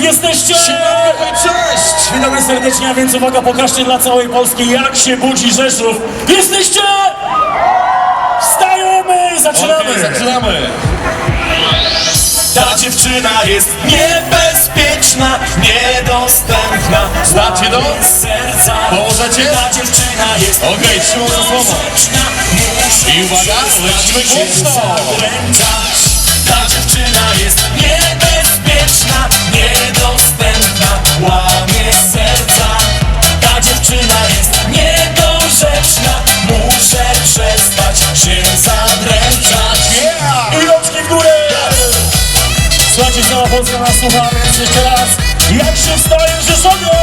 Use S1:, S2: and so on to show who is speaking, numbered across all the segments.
S1: jesteście?
S2: Cześć!
S1: Witamy serdecznie, a więc uwaga, pokażcie dla całej Polski, jak się budzi Rzeszów. Jesteście? Wstajemy! Zaczynamy!
S2: Okay, zaczynamy!
S1: Ta dziewczyna jest niebezpieczna, niedostępna.
S2: Znacie to?
S1: Serca.
S2: Pomożecie?
S1: Ta dziewczyna jest
S2: Okej, trzymam za słowo. I uwaga, lecimy głośno!
S1: Ta dziewczyna jest niebezpieczna, niedostępna, łamie serca. Ta dziewczyna jest niedorzeczna, muszę przestać się zadręczać. I rączki w górę! Słuchajcie, cała Polska nas słucha, więc jeszcze raz. Jak się wstaje w Rzeszowie?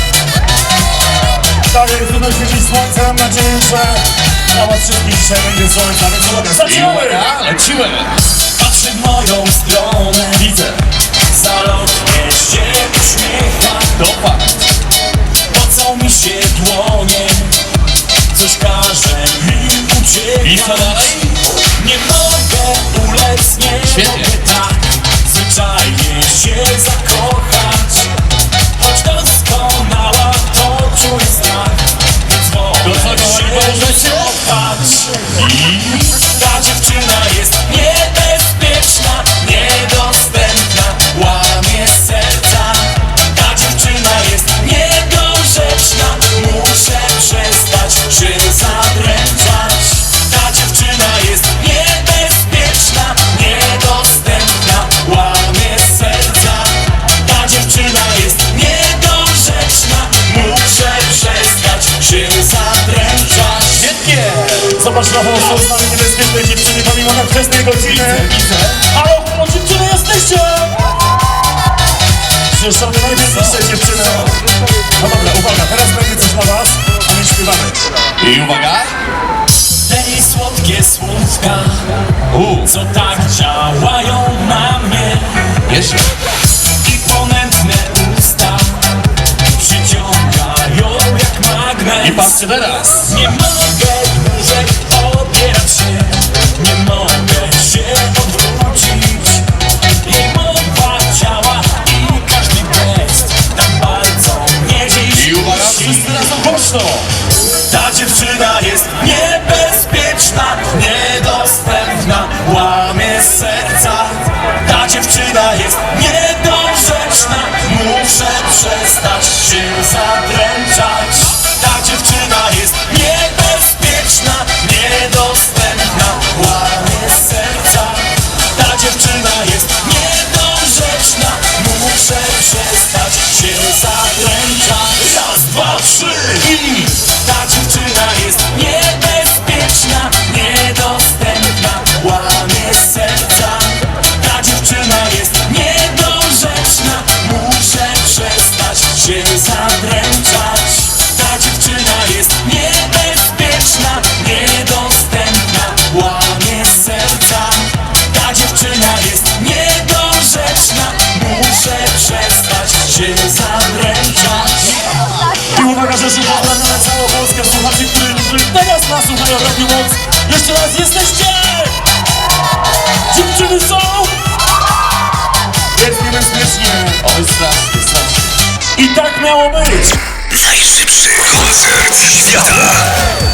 S1: Tak, jest trudno świecić słońce, mam nadzieję, że dla was wszystkich dzisiaj będzie słońce, więc uwaga,
S2: I
S1: zaczynamy!
S2: uwaga, lecimy!
S1: Patrzy w moją stronę,
S2: Widzę!
S1: zalotnie się uśmiecha.
S2: To fakt!
S1: Pocą mi się dłonie, coś każe mi uciekać.
S2: I co dalej?
S1: Nie mogę ulec, nie
S2: Świetnie.
S1: mogę tak zwyczajnie się zakochać. Choć doskonała to czuję strach, więc wolę
S2: To co, kochani, pomożecie?
S1: się kochać. Ta dziewczyna jest niebezpieczna, niedostępna, łamie serca. Ta dziewczyna jest niedorzeczna, muszę przestać się zadręczać. Ta dziewczyna jest niebezpieczna, niedostępna, łamie serca. Ta dziewczyna jest niedorzeczna, muszę przestać się zadręczać.
S2: Świetnie!
S1: Zobacz na włosy, z nami niebezpieczne dziewczyny, pomimo tak wczesnej godziny.
S2: Widzę!
S1: Halo, dziewczyny jesteście! Rzeszowy najpiękniejsze dziewczyny. No dobra, uwaga, teraz będzie coś dla was, a my śpiewamy.
S2: I uwaga!
S1: Te jej słodkie słówka, co tak działają na mnie.
S2: Jeszcze!
S1: I ponętne usta przyciągają jak magnes.
S2: I patrzcie teraz!
S1: Nie mogę dłużej opierać się, nie mogę się odwrócić. Jej mowa ciała i każdy gest tak bardzo mnie dziś
S2: I uwaga,
S1: kusi.
S2: wszyscy razem głośno!
S1: Ta dziewczyna jest niebezpieczna, niedostępna, łamie serca. Ta dziewczyna jest niedorzeczna, muszę przestać się zadręczać. Ta dziewczyna jest niebezpieczna, niedostępna, łamie serca. Ta dziewczyna jest niedorzeczna, muszę przestać się zadręczać. Raz, dwa, trzy i ta dziewczyna jest niebezpieczna, niedostępna, łamie serca. Ta dziewczyna jest niedorzeczna, muszę przestać się zadręczać. Ta dziewczyna jest niebezpieczna, niedostępna, łamie serca. Ta dziewczyna jest niedorzeczna, muszę przestać się zadręczać. I uwaga, że się pozdrawiamy całą Polskę, słuchaczy, którzy teraz nas słuchają Radio Moc. Jeszcze raz jesteście! Dziewczyny są! Jest niebezpiecznie.
S2: Oj, strasznie, strasznie!
S1: I tak miało być!
S3: Najszybszy koncert świata.